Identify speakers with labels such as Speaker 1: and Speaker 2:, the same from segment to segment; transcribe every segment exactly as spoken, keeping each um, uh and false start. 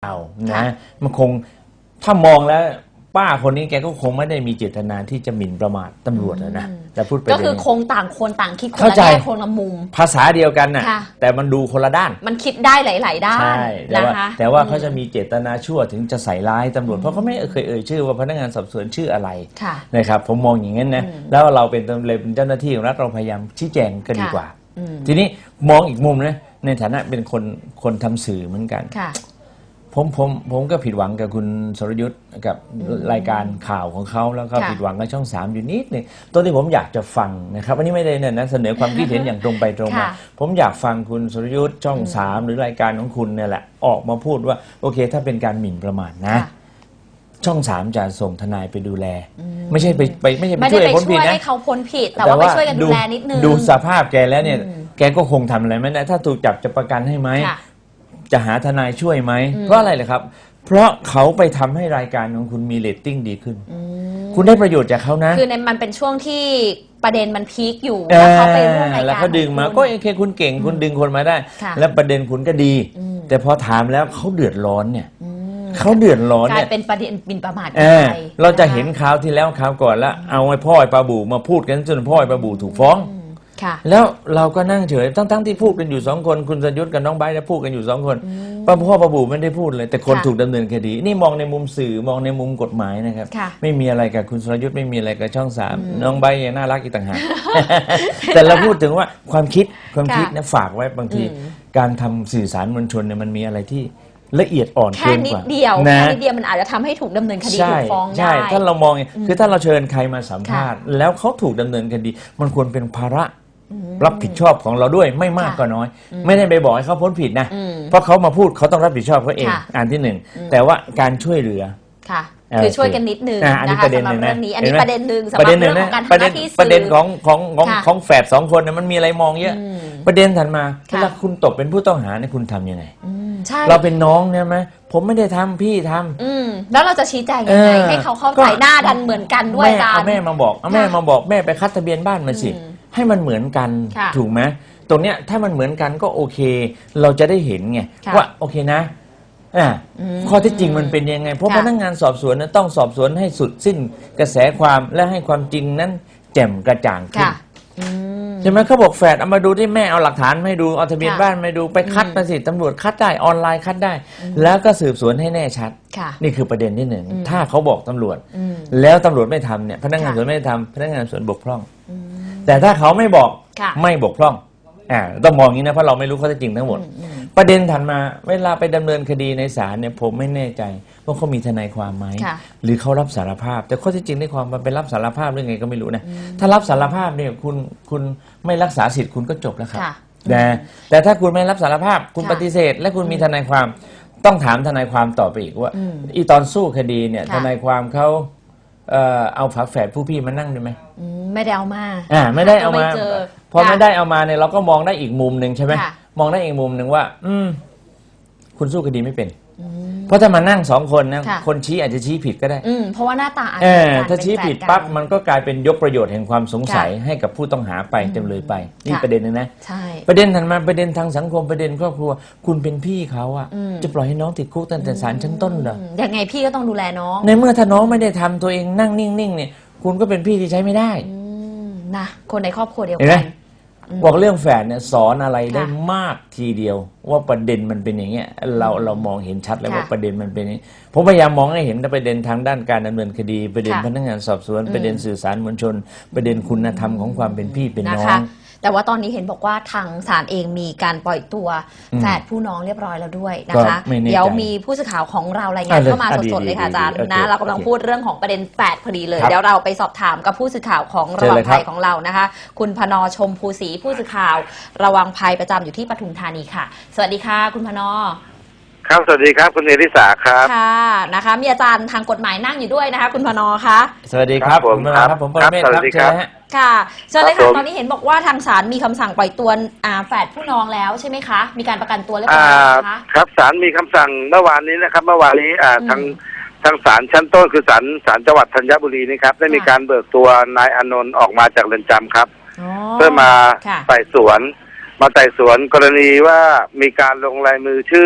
Speaker 1: เอานะมันคงถ้ามองแล้วป้าคนนี้แกก็คงไม่ได้มีเจตนาที่จะหมิ่นประมาทตำรวจนะแต่พูดไป
Speaker 2: ก็คือคงต่างคนต่างคิดคนละแง่คนละมุม
Speaker 1: ภาษาเดียวกันน่ะแต่มันดูคนละด้าน
Speaker 2: มันคิดได้หลายๆด้าน
Speaker 1: ใช่แต่ว่าแต่ว่าเขาจะมีเจตนาชั่วถึงจะใส่ร้ายตำรวจเพราะเขาไม่เคยเอ่ยชื่อว่าพนักงานสอบสวนชื่ออะไรนะครับผมมองอย่างนั้นนะแล้วเราเป็นตำรวจเป็นเจ้าหน้าที่ของรัฐเราพยายามชี้แจงก็ดีกว่าทีนี้มองอีกมุมนะในฐานะเป็นคนคนทำสื่อเหมือนกันผมผมผมก็ผิดหวังกับคุณสรยุทธ์กับรายการข่าวของเขาแล้วก็ผิดหวังกับช่องสามอยู่นิดนึงตัวที่ผมอยากจะฟังนะครับอันนี้ไม่ได้เนี่ยนะเสนอความคิดเห็นอย่างตรงไปตรงมาผมอยากฟังคุณสรยุทธ์ช่องสามหรือรายการของคุณเนี่ยแหละออกมาพูดว่าโอเคถ้าเป็นการหมิ่นประมาทนะช่องสามจะส่งทนายไปดูแลไม่ใช่ไปไปไม่ใช่ไปช่วยพ้นผิดนะ
Speaker 2: ให้เขาพ้นผิดแต่ว่าไปช่วยกันดูแลนิดนึง
Speaker 1: ดูสภาพแกแล้วเนี่ยแกก็คงทำอะไรไม่ได้ถ้าถูกจับจะประกันให้ไหมจะหาทนายช่วยไหมเพราะอะไรเลยครับเพราะเขาไปทำให้รายการของคุณมีเรตติ้งดีขึ้นคุณได้ประโยชน์จากเขานะ
Speaker 2: คือในมันเป็นช่วงที่ประเด็นมันพีคอยู่แล้วเขาไปร่วมรายการ
Speaker 1: แล้วเขาดึงมาก็โอเคคุณเก่งคุณดึงคนมาได้แล้วประเด็นคุณก็ดีแต่พอถามแล้วเขาเดือดร้อนเนี่ยเขาเดือดร้อนเนี่ย
Speaker 2: กลายเป็นประเด็นบินประมาท
Speaker 1: ไปเราจะเห็นข่าวที่แล้วข่าวก่อนแล้วเอาไอ้พ่อไอ้ปลาบูมาพูดกันจนพ่อไอ้ปลาบูถูกฟ้องแล้วเราก็นั่งเฉยทั้งๆที่พูดกันอยู่สองคนคุณสรยุทธ์กับน้องไบร์ทพูดกันอยู่สองคนป้าพ่อป้าบูไม่ได้พูดเลยแต่คนถูกดำเนินคดีนี่มองในมุมสื่อมองในมุมกฎหมายนะครับไม่มีอะไรกับคุณสรยุทธ์ไม่มีอะไรกับช่องสามน้องไบร์ทยังน่ารักอีกต่างหากแต่เราพูดถึงว่าความคิดความคิดนะฝากไว้บางทีการทำสื่อสารมวลชนเนี่ยมันมีอะไรที่ละเอียดอ่อนเกินกว่า
Speaker 2: แค่นิดเดียวแค่นิดเดียวมันอาจจะทำให้ถูกดำเนินคดีถูกฟ้องได้
Speaker 1: ใช่ถ้าเรามองคือถ้าเราเชิญใครมาสัมภาษณ์แล้วเขาถูกดำเนินคดีมันควรเป็นภาระรับผิดชอบของเราด้วยไม่มากก็น้อยไม่ได้ไปบอกให้เขาพ้นผิดนะเพราะเขามาพูดเขาต้องรับผิดชอบเขาเองอันที่หนึ่งแต่ว่าการช่วยเหลือ
Speaker 2: ค่ะคือช่วยกันนิดนึงนะคะสำหรับเรื่องนี้อันนี้ประเด็นหนึ่งสำหรับเรื่องของการทำหน้าที่สื่อ
Speaker 1: ประเด็นของของของของแฝดสองคนเนี่ยมันมีอะไรมองเยอะประเด็นถัดมาเวลาคุณตกเป็นผู้ต้องหาเนี่ยคุณทำยังไงเราเป็นน้องเนี่ยไหมผมไม่ได้ทำพี่ท
Speaker 2: ำแล้วเราจะชี้แจงยังไงให้เขาเข้าใจหน้าดันเหมือนกันด้วยกัน
Speaker 1: เอาแม่มาบอกเอาแม่มาบอกแม่ไปคัดทะเบียนบ้านมาสิให้มันเหมือนกันถูกไหมตรงเนี้ยถ้ามันเหมือนกันก็โอเคเราจะได้เห็นไงว่าโอเคนะข้อที่จริงมันเป็นยังไงเพราะพนักงานสอบสวนนั้นต้องสอบสวนให้สุดสิ้นกระแสความและให้ความจริงนั้นแจ่มกระจ่างขึ้นใช่ไหมเขาบอกแฝดเอามาดูที่แม่เอาหลักฐานมาดูเอาทะเบียนบ้านมาดูไปคัดมาสิตำรวจคัดได้ออนไลน์คัดได้แล้วก็สืบสวนให้แน่ชัดนี่คือประเด็นที่หนึ่งถ้าเขาบอกตำรวจแล้วตำรวจไม่ทำเนี่ยพนักงานสอบสวนไม่ทำพนักงานสอบสวนบกพร่องแต่ถ้าเขาไม่บอกไม่บกพร่องอ่าต้องมองอย่างนี้นะเพราะเราไม่รู้ข้อเท็จจริงทั้งหมดประเด็นถัดมาเวลาไปดำเนินคดีในศาลเนี่ยผมไม่แน่ใจว่าเขามีทนายความไหมหรือเขารับสารภาพแต่ข้อเท็จจริงในความมันเป็นรับสารภาพหรือไงก็ไม่รู้นะถ้ารับสารภาพเนี่ยคุณคุณไม่รักษาสิทธิ์คุณก็จบแล้วครับแต่แต่ถ้าคุณไม่รับสารภาพคุณปฏิเสธและคุณมีทนายความต้องถามทนายความต่อไปอีกว่าอีตอนสู้คดีเนี่ยทนายความเขาเอ่อเอาฝาแฝดผู้พี่มานั่งได้ไหม
Speaker 2: ไม่ได้เอามา
Speaker 1: อ่าไม่ได้เอามาพอไม่ได้เอามาเนี่ยเราก็มองได้อีกมุมหนึ่งใช่ไหมมองได้อีกมุมหนึ่งว่าอืมคุณสู้คดีไม่เป็นเพราะถ้ามานั่งสองคนนะคนชี้อาจจะชี้ผิดก็ได้
Speaker 2: เพราะว่าหน้าตาอาจ
Speaker 1: จะถ้าชี้ผิดปั๊บมันก็กลายเป็นยกประโยชน์แห่งความสงสัยให้กับผู้ต้องหาไปจำเลยไปนี่ประเด็นนึงนะประเด็นถัดมาประเด็นทางสังคมประเด็นครอบครัวคุณเป็นพี่เขาอะจะปล่อยให้น้องติดคุกตั้งแต่ศาลชั้นต้นเหรอ
Speaker 2: ยังไงพี่ก็ต้องดูแลน้อง
Speaker 1: ในเมื่อถ้าน้องไม่ได้ทำตัวเองนั่งนิ่งๆเนี่ยคุณก็เป็นพี่ที่ใช้ไม่ได้
Speaker 2: นะคนในครอบครัวเดียวกัน
Speaker 1: บอกเรื่องแฝดเนี่ยสอนอะไรได้มากทีเดียวว่าประเด็นมันเป็นอย่างเงี้ยเราเรามองเห็นชัดเลยว่าประเด็นมันเป็นนี้ผมพยายามมองให้เห็นประเด็นทางด้านการดำเนินคดีประเด็นพนักงานสอบสวนประเด็นสื่อสารมวลชนประเด็นคุณธรรมของความเป็นพี่เป็นน้อง
Speaker 2: แต่ว่าตอนนี้เห็นบอกว่าทางศาลเองมีการปล่อยตัวแฝดผู้น้องเรียบร้อยแล้วด้วยนะคะเดี๋ยวมีผู้สื่อข่าวของเรารายงานเข้ามาสดๆเลยค่ะอาจารย์นะเรากำลังพูดเรื่องของประเด็นแฝดพอดีเลยเดี๋ยวเราไปสอบถามกับผู้สื่อข่าวของระวังภัยของเรานะคะคุณพนชมภูศรีผู้สื่อข่าวระวังภัยประจำอยู่ที่ปทุมธานีค่ะสวัสดีค่ะคุณพน
Speaker 3: ครับสวัสดีครับคุณเอริสาครับ
Speaker 2: ค่ะนะคะมีอาจารย์ทางกฎหมายนั่งอยู่ด้วยนะคะคุณพนคะ
Speaker 1: สวัสดีครับผมครับผมปรเมศครับเชิญ
Speaker 2: ค่ะเชิญเลยค่ะตอนนี้เห็นบอกว่าทางศาลมีคำสั่งปล่อยตัวแฝดผู้น้องแล้วใช่ไหมคะมีการประกันตัวเรียบร้อยแล้วคะ
Speaker 3: ครับศาลมีคำสั่งเมื่อวานนี้นะครับเมื่อวานนี้ทางทางศาลชั้นต้นคือศาลศาลจังหวัดธัญบุรีนี่ครับได้มีการเบิกตัวนายอานนท์ออกมาจากเรือนจำครับเพื่อมาไต่สวนมาไต่สวนกรณีว่ามีการลงลายมือชื่อ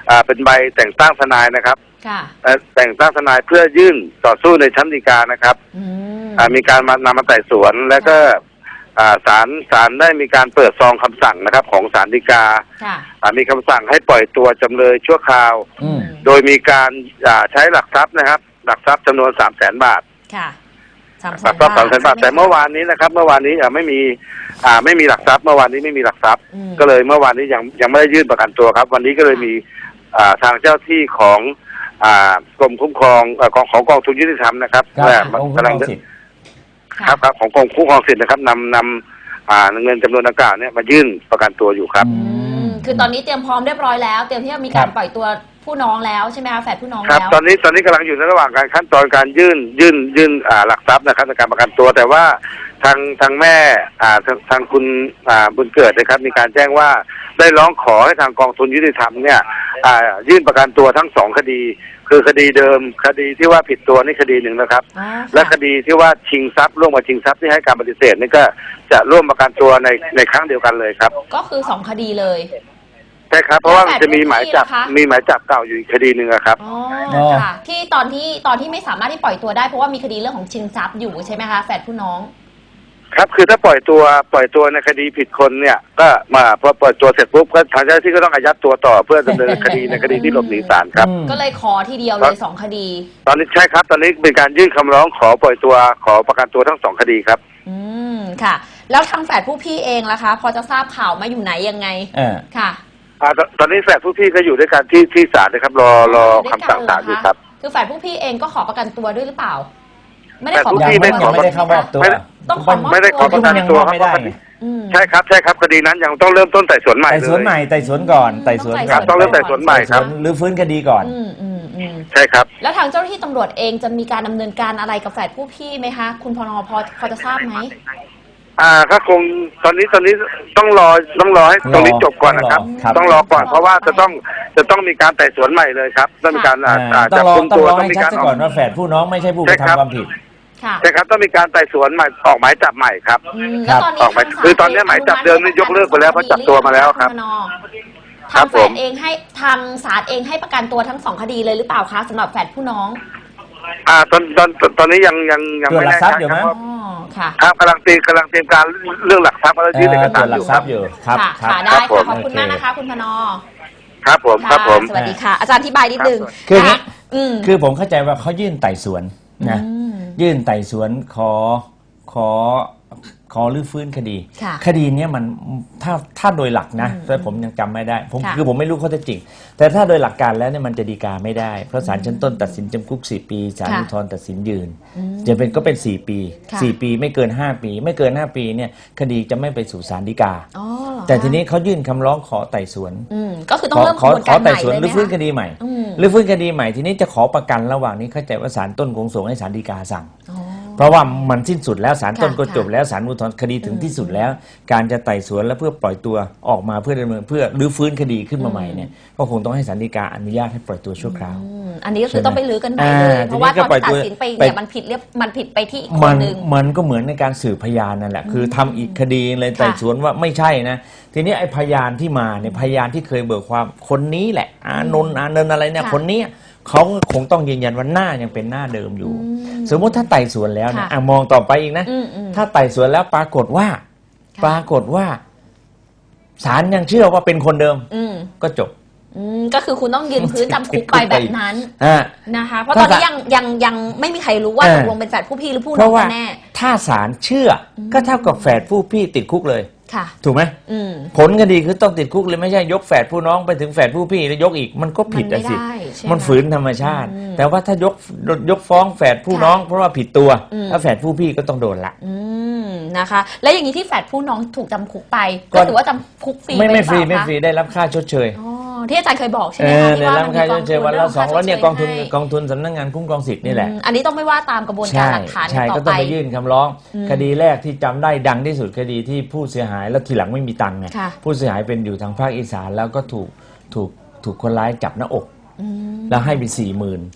Speaker 3: อ่าเป็นใบแต่งตั้งทนายนะครับ
Speaker 2: ค่ะ
Speaker 3: เอ่อแต่งตั้งทนายเพื่อยื่นต่อสู้ในชั้นฎีกานะครับ
Speaker 2: อืม
Speaker 3: อ่ามีการมานำมาไต่สวนแล้วก็อ่าศาลศาลได้มีการเปิดซองคำสั่งนะครับของศาลฎีกา
Speaker 2: ค่ะ
Speaker 3: อ่ามีคำสั่งให้ปล่อยตัวจำเลยชั่วคราว
Speaker 1: อืม
Speaker 3: โดยมีการอ่าใช้หลักทรัพย์นะครับ หลักทรัพย์จำนวนสามแสนบาท
Speaker 2: ค่ะสามแส
Speaker 3: หลั
Speaker 2: น
Speaker 3: กทรัพย์สามแสนบาท
Speaker 2: ใช่ไห
Speaker 3: แต่เมื่อวานนี้นะครับ เมื่อวานนี้อ่าไม่มีอ่าไม่มีหลักทรัพย์เมื่อวานนี้ไม่มีหลักทรัพย์
Speaker 2: อืม
Speaker 3: ก็เลยเมื่อวานนี้ยังยังไม่ได้ยื่นประกันตัวครับ วันนี้ก็เลยมีอ่าทางเจ้าที่ของอ่ากรมคุ้มครองเอ่อของของกองทุนยุติธรรมนะครับ
Speaker 1: ครับ
Speaker 3: และ
Speaker 1: องค์
Speaker 3: กำลัง
Speaker 1: กรสิทธิ์
Speaker 3: ครับครับของกรมคุ้มครองสิทธิ์นะครับนำนำอ่าเงินจำนวนดังกล่าวเนี่ยมายื่นประกันตัวอยู่ครับ
Speaker 1: อื
Speaker 2: อืม
Speaker 1: ม
Speaker 2: คือตอนนี้เตรียมพร้อมเรียบร้อยแล้ว เตรียมที่จะมี
Speaker 1: ครั
Speaker 2: การ
Speaker 1: บ
Speaker 2: ปล่อยตัวผู้น้องแล้วใช่ไหมคะแฝดผู้น้อง
Speaker 3: ครับ
Speaker 2: แล้ว
Speaker 3: ตอนนี้ตอนนี้กำลังอยู่ในระหว่างการขั้นตอนการยื่นยื่นยื่นอ่าหลักทรัพย์นะครับในการประกันตัว แต่ว่าทางทางแม่อ่าทางทางคุณอ่าบุญเกิดนะครับ มีการแจ้งว่าได้ร้องขอให้ทางกองทุนยุติธรรมเนี่ยอ่ายื่นประกันตัวทั้งสองคดี คือคดีเดิมคดีที่ว่าผิดตัวนี่คดีหนึ่งนะครับ
Speaker 2: อ๋อ
Speaker 3: และ
Speaker 2: ค่ะ
Speaker 3: คดีที่ว่าชิงทรัพย์ร่วมกับชิงทรัพย์ที่ให้การปฏิเสธนี่ก็จะร่วมประกันตัวในในครั้งเดียวกันเลยครับ
Speaker 2: ก็คือสองคดีเลย
Speaker 3: ใช่ครับเพราะว่ามันจะมี
Speaker 2: แล้วแต่
Speaker 3: หมายจับ
Speaker 2: พื้นที่ล่ะคะ
Speaker 3: มีหมายจับเก่าอยู่อีกคดีหนึ่งอะครับ
Speaker 2: อ๋อ
Speaker 1: อ๋อ
Speaker 2: ค่ะ ที่ตอนที่ตอนที่ไม่สามารถที่ปล่อยตัวได้เพราะว่ามีคดีเรื่องของชิงทรัพย์อยู่ใช่ไหมคะแฝดผู้น้อง
Speaker 3: ครับคือถ้าปล่อยตัวปล่อยตัวในคดีผิดคนเนี่ย ก็มาพอปล่อยตัวเสร็จปุ๊บก็ทางเจ้าหน้าที่ก็ต้องอายัดตัวต่อเพื่อดำเนินคดีในคดีที่หลบหนีศาลครับ
Speaker 1: อืม
Speaker 2: ก็เลยขอทีเดียวเลยสองคดี
Speaker 3: ตอนนี้ใช่ครับ ตอนนี้เป็นการยื่นคำร้องขอปล่อยตัวขอประกันตัวทั้งสองคดีครับ
Speaker 2: อืมค่ะ แล้วทางแฝดผู้พี่เองล่ะคะ พอจะทราบข่าวมาอยู่ไหนยังไง
Speaker 1: เออ
Speaker 2: ค่ะ
Speaker 3: อ่าตตอนนี้แฝดผู้พี่ก็อยู่ด้วยกันที่ที่ศาลนะครับ รอรอคำสั่งศาลอยู่ครับ
Speaker 2: คือแฝดผู้พี่เองก็ขอประกันตัวด้วยหรือเปล่า ไม่ได้ขอ
Speaker 3: แฝดผู้
Speaker 2: ประ
Speaker 3: พี่
Speaker 2: กัน
Speaker 3: ไม่
Speaker 2: ตัว
Speaker 3: ขอ
Speaker 1: ยังไม่ได้เข้ามอบตัว
Speaker 3: ไม่ได้
Speaker 2: ต้องขอมอบ
Speaker 3: ไม่ได้ขอ
Speaker 2: ตัว
Speaker 3: ประกัน
Speaker 1: ยัง
Speaker 3: ตัว
Speaker 1: มอบ
Speaker 3: ครับ
Speaker 1: ไม่ได้ไง
Speaker 2: อืม
Speaker 3: ใช่ครับใช่ครับคดีนั้นยังต้องเริ่มต้นไต่สวนใหม่
Speaker 1: ไต่
Speaker 3: เล
Speaker 1: สวน
Speaker 3: ย
Speaker 1: ใหม่ไต่สวนก่อนไต่สวน
Speaker 3: ครับต้องเริ่มไต่สวนใหม่ครับ
Speaker 1: หรือฟื้นคดีก่อน
Speaker 2: อืมอืมอืม
Speaker 3: ใช่ครับ
Speaker 2: แล้วทางเจ้าหน้าที่ตำรวจเองจะมีการดำเนินการอะไรกับแฝดผู้พี่ไหมคะ คุณพนพอพอจะทราบไหม
Speaker 3: อ่าก็คงตอนนี้ตอนนี้ต้องรอต้องรอให้ตรงนี้จบก่อนนะครับ
Speaker 1: ครับ
Speaker 3: ต้องรอก่อนเพราะว่าจะต้องจะต้องมีการไต่สวนใหม่เลยครับต้องมีการอ่า
Speaker 1: อ่า
Speaker 3: อ่า
Speaker 1: ต้อ
Speaker 3: จั
Speaker 1: ง
Speaker 3: บ
Speaker 1: รอ
Speaker 3: กุม
Speaker 1: ต้อง
Speaker 3: ตัว
Speaker 1: รอ
Speaker 3: ต้อง
Speaker 1: ให้
Speaker 3: มี
Speaker 1: ชัด
Speaker 3: การ
Speaker 1: ซะก่อนว่าแฝดผู้น้องไม่ใช่ผู้กระ
Speaker 3: ใช่ครับ
Speaker 1: ทำความผิด
Speaker 2: ค่ะ
Speaker 3: ใช่ครับต้องมีการไต่สวนใหม่ออกหมายจับใหม่ครับ
Speaker 2: อืม
Speaker 1: ครั
Speaker 2: แล้ว
Speaker 1: บ
Speaker 2: ตอนนี้
Speaker 3: ออกหมาย
Speaker 2: ทางศล
Speaker 3: คือตอนนี้หมายจับเดิมนี่ยกเลิกไปแล้วเพราะจับตัวมาแล้วครับ
Speaker 2: ณพน
Speaker 3: ครั
Speaker 2: ทาง
Speaker 3: บ
Speaker 2: แฝ
Speaker 3: ผ
Speaker 2: ด
Speaker 3: ม
Speaker 2: เองให้ทางศาลเองให้ประกันตัวทั้งสองคดีเลยหรือเปล่าคะสำหรับแฝดผู้น้อง
Speaker 3: อ่าตอนตอนตอนนี้ยังยังยัง
Speaker 1: ตรวจ
Speaker 3: ไม่
Speaker 1: หลัก
Speaker 3: แน่
Speaker 1: ทรัพ
Speaker 3: ชั
Speaker 1: ย์
Speaker 3: ด
Speaker 1: อยู่
Speaker 3: ค
Speaker 1: มั้
Speaker 3: รับ
Speaker 1: ย
Speaker 3: ว่า
Speaker 2: อ๋อค่ะ
Speaker 3: ครับกำลังเตรียมกำลังเตรียมการเรื่องหลักทรัพย์แล้วยื่นเอก
Speaker 1: เอ่อต
Speaker 3: สาร
Speaker 1: รวจห
Speaker 3: อ
Speaker 1: ลัก
Speaker 3: ยู่
Speaker 1: ท
Speaker 3: ค
Speaker 1: รั
Speaker 3: รั
Speaker 1: พ
Speaker 3: บ
Speaker 1: ย์อยู่ครับ
Speaker 2: ค่ะ
Speaker 1: ครับ
Speaker 2: ค่ะได้
Speaker 3: ครับผ
Speaker 2: ค่ะ
Speaker 3: ม
Speaker 2: ขอบคุณมากนะคะ คุณพน
Speaker 3: ครับผมครับผม
Speaker 2: สวัสดีค่ะ อาจารย์อธิบายนิดนึง
Speaker 1: คืออย่างนี้
Speaker 2: ะอืม
Speaker 1: คือผมเข้าใจว่าเขายื่นไต่สวนนะ
Speaker 2: อืม
Speaker 1: ยื่นไต่สวนขอขอขอรื้อฟื้นคดี
Speaker 2: ค่ะ
Speaker 1: คดีเนี้ยมันถ้าถ้าโดยหลักนะ
Speaker 2: อืม
Speaker 1: แต่ผมยังจำไม่ได้ผม
Speaker 2: ค่ะ
Speaker 1: คือผมไม่รู้ข้อเท็จจริง แต่ถ้าโดยหลักการแล้วเนี่ยมันจะดีกาไม่ได้ เพราะศาลชั้นต้นตัดสินจำคุกสี่ปีศาล
Speaker 2: ค่ะ
Speaker 1: อุทธรณ์ตัดสินยืน
Speaker 2: อืม
Speaker 1: จะเป็นก็เป็นสี่ปี
Speaker 2: ค่ะ
Speaker 1: สี่ปีไม่เกินห้าปี ไม่เกินห้าปีเนี่ยคดีจะไม่ไปสู่ศาลฎีกา
Speaker 2: อ๋อเหรอ
Speaker 1: แต่ทีนี้เขายื่นคำร้องขอไต่สวน
Speaker 2: อืมก็คือต้องเริ่มก
Speaker 1: ขอ
Speaker 2: ระบวน
Speaker 1: ข
Speaker 2: กา
Speaker 1: อ
Speaker 2: รให
Speaker 1: ไต่
Speaker 2: ม่
Speaker 1: สวน
Speaker 2: เลย
Speaker 1: ห
Speaker 2: ไห
Speaker 1: รื
Speaker 2: ม
Speaker 1: อฟื้นค
Speaker 2: คะ
Speaker 1: ดีใหม่
Speaker 2: อืม
Speaker 1: หรือฟื้นคดีใหม่ทีนี้จะขอประกันระหว่างนี้เข้าใจว่าศาลต้นคงส่งให้ศาลฎีกาสั่ง
Speaker 2: อ๋อ
Speaker 1: เพราะว่ามันสิ้นสุดแล้วศาลต้น
Speaker 2: ค่ะ
Speaker 1: ก็จบ
Speaker 2: ค่ะ
Speaker 1: แล้วศาลอุทธรณ์คดีถึง
Speaker 2: อืม
Speaker 1: ที่สุดแล้ว การจะไต่สวนและเพื่อปล่อยตัวออกมาเพื่อดำเนินเพื่อรื้อฟื้นคดีขึ้นมาใหม่เนี่ยก็คงต้องให้ศาลฎีกาอนุญาตให้ปล่อยตัวชั่วคราว
Speaker 2: อืมอันนี้ก็คือต้องไปลื้อกันใหม่
Speaker 1: อ่า
Speaker 2: เลย เพราะว่า
Speaker 1: ทีนี้
Speaker 2: ต
Speaker 1: ก็
Speaker 2: อนที่
Speaker 1: ปล่
Speaker 2: ตั
Speaker 1: อยตัว
Speaker 2: ดสินไป
Speaker 1: ไป
Speaker 2: เนี่ยมันผิดเรียบมันผิดไปที่อีกค
Speaker 1: มัน น
Speaker 2: หนึ่ง
Speaker 1: มันก็เหมือนในการสืบพยานนั่นแหละคือทำอีกคดีเลยไต่สวนว่าไม่ใช่นะทีนี้ไอ้พยานที่มาเนี่ยพยานที่เคยเบิกความคนนี้แหละอานนท์อานนท์อะไรเนี่ย
Speaker 2: ค่ะ
Speaker 1: คนเนี้ยเขาคงต้องยืนยันว่าหน้ายังเป็นหน้าเดิมอยู่
Speaker 2: อืม
Speaker 1: สมมุติถ้าไต่สวนแล้วเนี่ย
Speaker 2: ค่ะ
Speaker 1: อ่ะมองต่อไปอีกนะ
Speaker 2: อืมอืม
Speaker 1: ถ้าไต่สวนแล้วปรากฏว่า
Speaker 2: ค่ะ
Speaker 1: ปรากฏว่าศาลยังเชื่อว่าเป็นคนเดิม
Speaker 2: อืม
Speaker 1: ก็จบ
Speaker 2: อืมก็คือคุณต้องยืนพื้นจำคุกไปแบบนั้น
Speaker 1: อ่า
Speaker 2: นะคะ เพราะต
Speaker 1: ถ้า
Speaker 2: อนนี้ยังยังยังไม่มีใครรู้ว่า
Speaker 1: เออ
Speaker 2: ตกลงเป็นแฝดผู้พี่หรือผู้
Speaker 1: เพ
Speaker 2: น้อง
Speaker 1: ราะว่า
Speaker 2: กันแน่
Speaker 1: ถ้าศาลเชื่ออก็เท่ากับแฝดผู้พี่ติดคุกเลย
Speaker 2: ค่ะ
Speaker 1: ถูกไหม
Speaker 2: อืม
Speaker 1: ผลคดีคือต้องติดคุกเลยไม่ใช่ยกแฝดผู้น้องไปถึงแฝดผู้พี่แล้วยกอีกมันก็ผิด
Speaker 2: มัน
Speaker 1: อะ
Speaker 2: ไม่
Speaker 1: สิ
Speaker 2: ได้ใช่ไหม
Speaker 1: มันฝืนธรรมชาติ
Speaker 2: อืม
Speaker 1: แต่ว่าถ้ายกยกฟ้องแฝดผู้
Speaker 2: ค่ะ
Speaker 1: น้องเพราะว่าผิดตัว
Speaker 2: อืม
Speaker 1: ถ้าแฝดผู้พี่ก็ต้องโดนละ
Speaker 2: อืมนะคะ แล้วอย่างนี้ที่แฝดผู้น้องถูกจำคุกไป
Speaker 1: ก็
Speaker 2: ก็ถือว่าจำคุกฟรี
Speaker 1: ไม่ไม่
Speaker 2: ป
Speaker 1: ฟรี
Speaker 2: หอเป
Speaker 1: ไม่
Speaker 2: ล่า
Speaker 1: ฟรี
Speaker 2: คะ
Speaker 1: ได้รับค่าชดเชย
Speaker 2: อ๋อที่อาจารย์เคยบอกใช่ไห
Speaker 1: เอ
Speaker 2: ม
Speaker 1: อ
Speaker 2: คะ
Speaker 1: ได้
Speaker 2: ที่ว่า
Speaker 1: รับ
Speaker 2: มัน
Speaker 1: ค่า
Speaker 2: มี
Speaker 1: ชดเชยวันละสองแล้วเนี่ยกองทุน
Speaker 2: ให้
Speaker 1: กองทุนสำนักงานคุ้มครองสิทธิ์นี่แหละ
Speaker 2: อืมอันนี้ต้องไม่ว่าตามกระบวนการหลักฐาน
Speaker 1: ใช่
Speaker 2: ต่
Speaker 1: ก็
Speaker 2: อ
Speaker 1: ต้
Speaker 2: ไป
Speaker 1: องไปยื่นคำร้อง
Speaker 2: อืม
Speaker 1: คดีแรกที่จำได้ดังที่สุดคดีที่ผู้เสียหายแล้วทีหลังไม่มีตังค์ไง
Speaker 2: ค่ะ
Speaker 1: ผู้เสียหายเป็นอยู่ทางภาคอีสานแล้วก็ถูกถูกถูกคนร้ายจับหน้าอก
Speaker 2: อืม
Speaker 1: แล้วให้ไปสี่หมื่น
Speaker 2: ค่ะ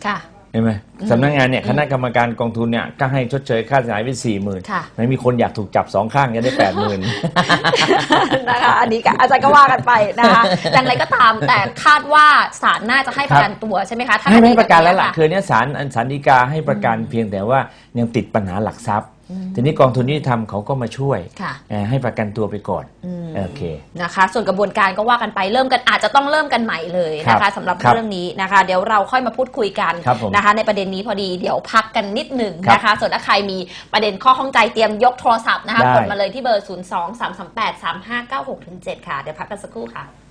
Speaker 1: เห็นไหมสำนักงานเนี่ยคณะกรรมการกองทุนเนี่ยก็ให้ชดเชยค่าเสียหายไปสี่หมื่นไม่มีคนอยากถูกจับสองข้างจะได้แปดหมื่น
Speaker 2: นะคะอันนี้อาจารย์ก็ว่ากันไปนะคะอย่างไรก็ตามแต่คาดว่าศาลน่าจะให้ประกันตัวใช่ไหมคะ
Speaker 1: ให้ไม่ประกันแล้วล่ะคือเนี่ยศาลศาลฎีกาให้ประกันเพียงแต่ว่ายังติดปัญหาหลักทรัพย์ทีนี้กองทุนยุติธรรมเขาก็มาช่วยให้ประกันตัวไปก่อนโอเค
Speaker 2: นะคะส่วนกระบวนการก็ว่ากันไปเริ่มกันอาจจะต้องเริ่มกันใหม่เลยนะคะสำหรับเรื่องนี้นะคะเดี๋ยวเราค่อยมาพูดคุยกันนะคะในประเด็นนี้พอดีเดี๋ยวพักกันนิดหนึ่งนะคะส่วนถ้าใครมีประเด็นข้อข้องใจเตรียมยกโทรศัพท์นะคะกดมาเลยที่เบอร์ ศูนย์ สอง สาม สาม แปด สาม ห้า เก้า หก เจ็ด ค่ะเดี๋ยวพักกันสักครู่ค่ะ